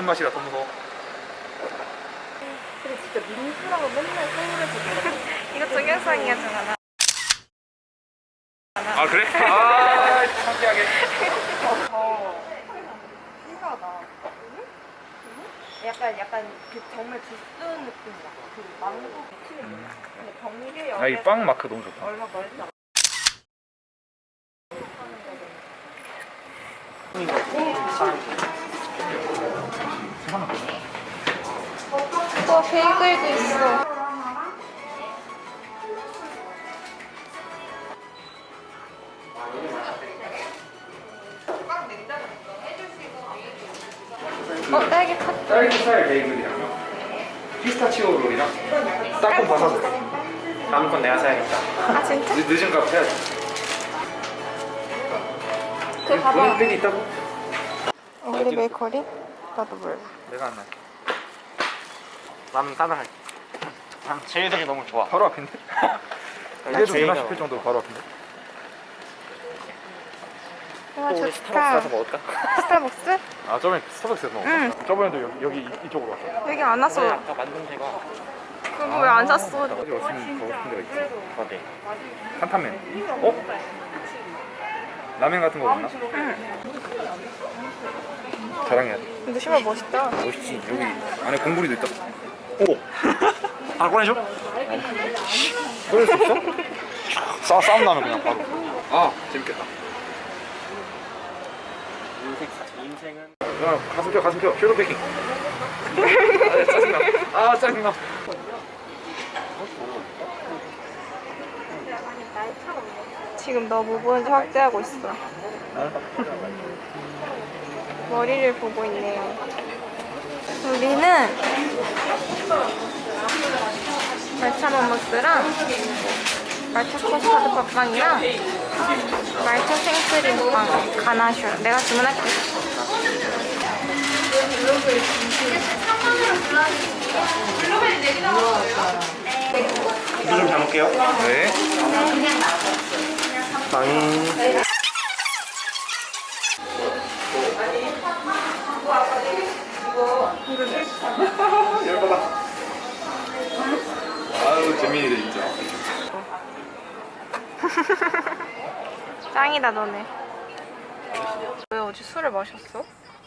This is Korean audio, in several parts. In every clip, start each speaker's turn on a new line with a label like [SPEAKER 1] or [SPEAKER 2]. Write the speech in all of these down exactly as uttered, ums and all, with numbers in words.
[SPEAKER 1] 아는 맛이라 더 무서워.
[SPEAKER 2] 근데 진짜 민수라고 맨날 서울에서 놀아.
[SPEAKER 3] 이거 동영상이야, 정하나.
[SPEAKER 1] 아 그래? 아 창피하게.
[SPEAKER 2] 더 신기하다. 약간 약간 그 정말 주스 느낌이야. 그 망고 미치는 음. 근데 병리게 여기.
[SPEAKER 1] 아이 빵 마크 너무 좋다.
[SPEAKER 2] 얼마 멀다.
[SPEAKER 3] 또 베이글도 있어. 어, 딸기 팥.
[SPEAKER 1] 딸기 스타일 베이글이랑 피스타치오 롤이랑 땅콩 버섯. 다음 건 내가 사야겠다.
[SPEAKER 3] 아, 진짜?
[SPEAKER 1] 늦, 늦은 값 해야지.
[SPEAKER 3] 그 봐봐.
[SPEAKER 1] 팩이 있다고?
[SPEAKER 3] 우리 베이커리? 나도 몰라.
[SPEAKER 1] 내가 안 할게.
[SPEAKER 4] 나는 따로 할게. 난 제일덕이 너무 좋아.
[SPEAKER 1] 바로 앞인데? 이래도 되나
[SPEAKER 4] 제이가
[SPEAKER 1] 싶을 정도로 바로 앞인데?
[SPEAKER 3] 와,
[SPEAKER 4] 또 우리
[SPEAKER 3] 좋다.
[SPEAKER 4] 스타벅스 가서 먹을까?
[SPEAKER 3] 스타벅스?
[SPEAKER 1] 아 저번에 스타벅스에서 먹었어.
[SPEAKER 3] 응.
[SPEAKER 1] 저번에도 여기, 여기 이- 이쪽으로 왔어.
[SPEAKER 3] 여기 안 왔어.
[SPEAKER 4] 아까 만든 데가
[SPEAKER 3] 그거 왜 안 샀어?
[SPEAKER 1] 어디 왔으면 가고 싶은 데가 있지.
[SPEAKER 4] 어디?
[SPEAKER 1] 한탄면. 어? 라면 같은 거 먹나?
[SPEAKER 3] 응.
[SPEAKER 1] 자랑해야 돼.
[SPEAKER 3] 근데 신발 멋있다.
[SPEAKER 1] 멋있지. 여기 안에 공구리도 있다.
[SPEAKER 4] 오! 아 꺼내줘?
[SPEAKER 1] 꺼낼 수 있어? 싸, 싸움 나면 그냥 바로. 아 재밌겠다.
[SPEAKER 4] 인생, 인생은
[SPEAKER 1] 야 가슴 펴 가슴 펴 숄더 패킹. 아 짜증나. 아 짜증나.
[SPEAKER 3] 지금 너 뭐 보는지 확대하고 있어. 머리를 보고 있네요. 우리는 말차 맘모스랑 말차 커스터드 팥빵이랑 말차 생크림빵 가나슈. 내가 주문할게.
[SPEAKER 4] 이거 좀 잘 먹게요.
[SPEAKER 1] 네.
[SPEAKER 4] 빵.
[SPEAKER 1] 열받아. 아유 재민이들 진짜.
[SPEAKER 3] 짱이다 너네. 왜 어제 술을 마셨어?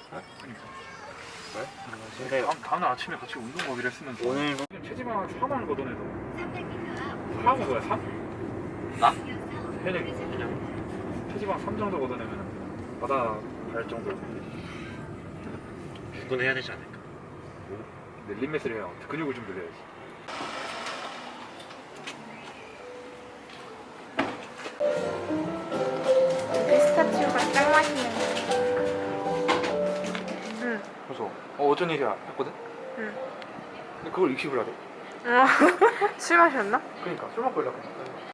[SPEAKER 4] 근데
[SPEAKER 1] 다음, 다음날 아침에 같이 운동 가기로 했으면 좋아.
[SPEAKER 4] 오늘
[SPEAKER 1] 체지방을 삼만 걷어내서 삼은 거야 삼?
[SPEAKER 4] 나?
[SPEAKER 1] 현역이 그냥 체지방 삼 정도 걷어내면 바다 갈 정도.
[SPEAKER 4] 구분해야 되지 않을까?
[SPEAKER 1] 근데 림메스를 해야 근육을 좀 늘려야지.
[SPEAKER 3] 피스타치오가 짱 맛있네. 응.
[SPEAKER 1] 그래서 어 어쩐 일이야 했거든?
[SPEAKER 3] 응.
[SPEAKER 1] 근데 그걸 익십을 하래.
[SPEAKER 3] 어, 술 마셨나?
[SPEAKER 1] 그러니까 술 먹고 연락해.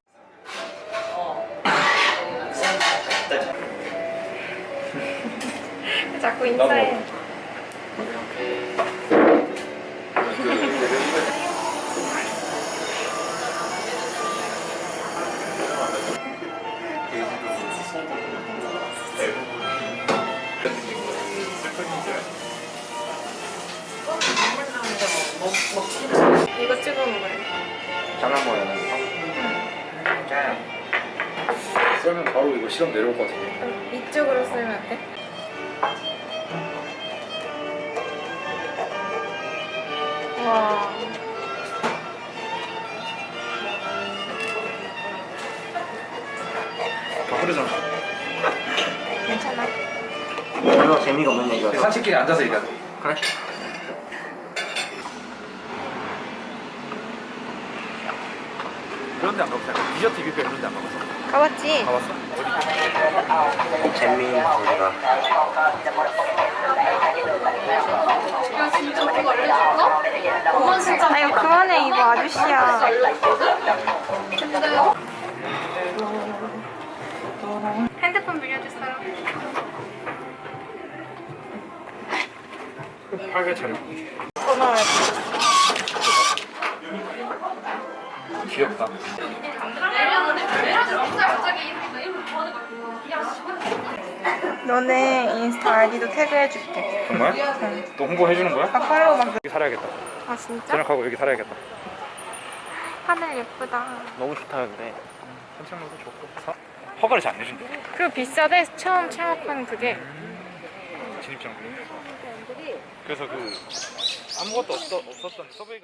[SPEAKER 3] 자꾸 인사해. 이거 찍어 먹어요.
[SPEAKER 1] 장난 뭐야 나. 썰면 바로 이거 시험 내려올 것 같은데.
[SPEAKER 3] 이쪽으로 쓰면 안 돼? 와.
[SPEAKER 1] 다 흐르잖아.
[SPEAKER 3] 괜찮아.
[SPEAKER 4] 별로 재미가 없는 얘기야.
[SPEAKER 1] 산책길에 앉아서 얘기하자.
[SPEAKER 4] 그래?
[SPEAKER 1] 그런 데 안 가봤어? 디저트 이비표 이런 데 안 가봤어?
[SPEAKER 3] 가봤지?
[SPEAKER 1] 가봤어? 어디?
[SPEAKER 4] 재미있는 소리가.
[SPEAKER 3] 아 이거 그만해. 이거 아저씨야. 핸드폰 빌려줄 사람?
[SPEAKER 1] 팔개 차려.
[SPEAKER 3] 전화해.
[SPEAKER 1] 귀엽다.
[SPEAKER 3] 너네 인스타 아이디도 태그해줄게.
[SPEAKER 1] 정말?
[SPEAKER 3] 응.
[SPEAKER 1] 또 홍보해주는 거야?
[SPEAKER 3] 아 팔로우 막.
[SPEAKER 1] 여기 살아야겠다.
[SPEAKER 3] 아 진짜?
[SPEAKER 1] 저녁하고 여기 살아야겠다.
[SPEAKER 3] 하늘 예쁘다.
[SPEAKER 1] 너무 좋다 근데. 산책로도 좋고. 사... 허가를 잘 안 내준대.
[SPEAKER 3] 그리고 비싸대 처음 창업한 그게.
[SPEAKER 1] 진입장비. 그래서 그 아무것도 없어, 없었던 서베이가.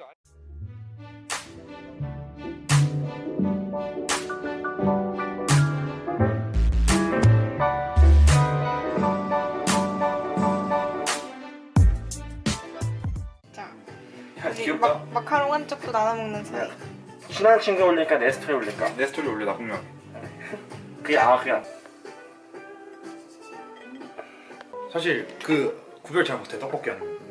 [SPEAKER 3] 자,
[SPEAKER 1] 야,
[SPEAKER 3] 우리
[SPEAKER 1] 귀엽다.
[SPEAKER 3] 마, 마카롱 한 쪽도 나눠 먹는 사이.
[SPEAKER 4] 친한 친구 올릴까 내 스토리 올릴까?
[SPEAKER 1] 내 스토리 올려 나쁘면.
[SPEAKER 4] 그게 아 그냥
[SPEAKER 1] 사실 그 구별 잘 못해 떡볶이 하는 거.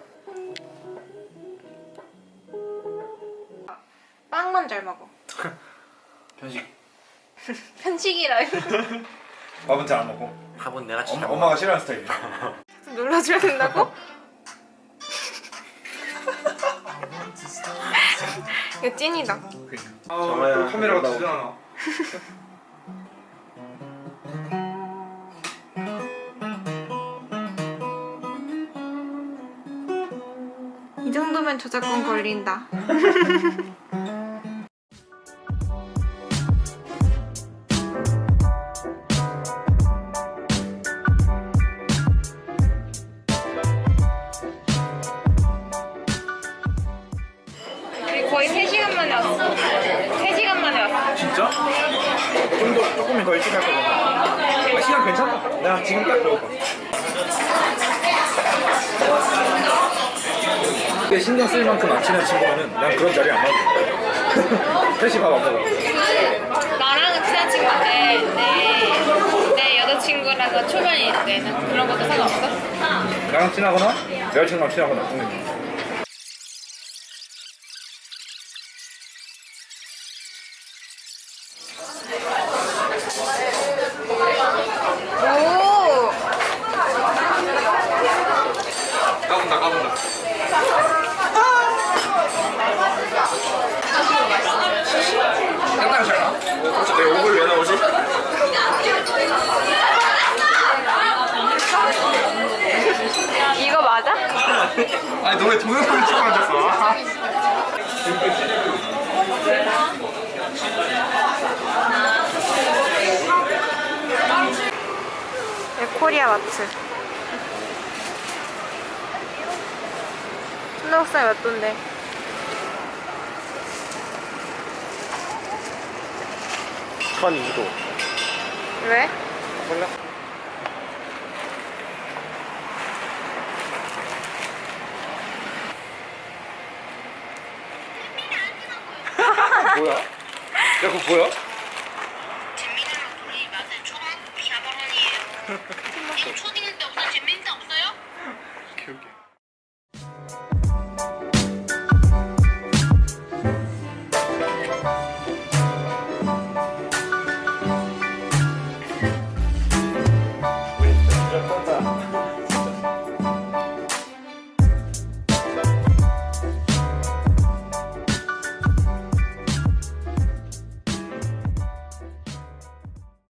[SPEAKER 3] 빵만 잘 먹어.
[SPEAKER 1] 편식.
[SPEAKER 3] 편식이라.
[SPEAKER 1] 밥은 잘 안 먹고.
[SPEAKER 4] 밥은 내가
[SPEAKER 1] 엄,
[SPEAKER 4] 진짜
[SPEAKER 1] 엄마가 싫어하는 스타일이야.
[SPEAKER 3] 놀라줘야 된다고? 이거 찐이다.
[SPEAKER 1] 아,
[SPEAKER 4] 정말
[SPEAKER 1] 또 카메라가
[SPEAKER 4] 나오고.
[SPEAKER 1] 두잖아.
[SPEAKER 3] 이 정도면 저작권 걸린다. 우리 거의 세 시간 만에 왔어. 세 시간 만에 왔어.
[SPEAKER 1] 진짜? 좀 더 조금만 더 일찍 할 거야. 아, 시간 괜찮다. 내가 지금 딱 배고파. 근데 신경 쓸 만큼 안 친한 친구면은 난 그런 자리에 안 나가. 셋이 밥 안 먹어.
[SPEAKER 3] 나랑은 친한 친구인데 내, 내 여자친구랑은 초면이 있는 그런 것도 상관없어?
[SPEAKER 1] 나랑 친하거나 내 여자친구랑 친하거나 동생이.
[SPEAKER 3] 오!
[SPEAKER 1] 까분다 까분다. 상당히 잘 나. 그렇지 내 얼굴 왜 나오지?
[SPEAKER 3] 이거 맞아?
[SPEAKER 1] 아니 너 왜 동영상을 찍고 앉았어?
[SPEAKER 3] 네, 코리아 마트. 순대국산이 몇 돈데?
[SPEAKER 4] 천이 도
[SPEAKER 3] 왜?
[SPEAKER 4] 몰라?
[SPEAKER 1] 뭐야? 야 그거 보여?
[SPEAKER 5] 재민이랑 둘이 맛을 초등학교 사 학년이에요. 초딩 때 없어요? 재민이 때 없어요?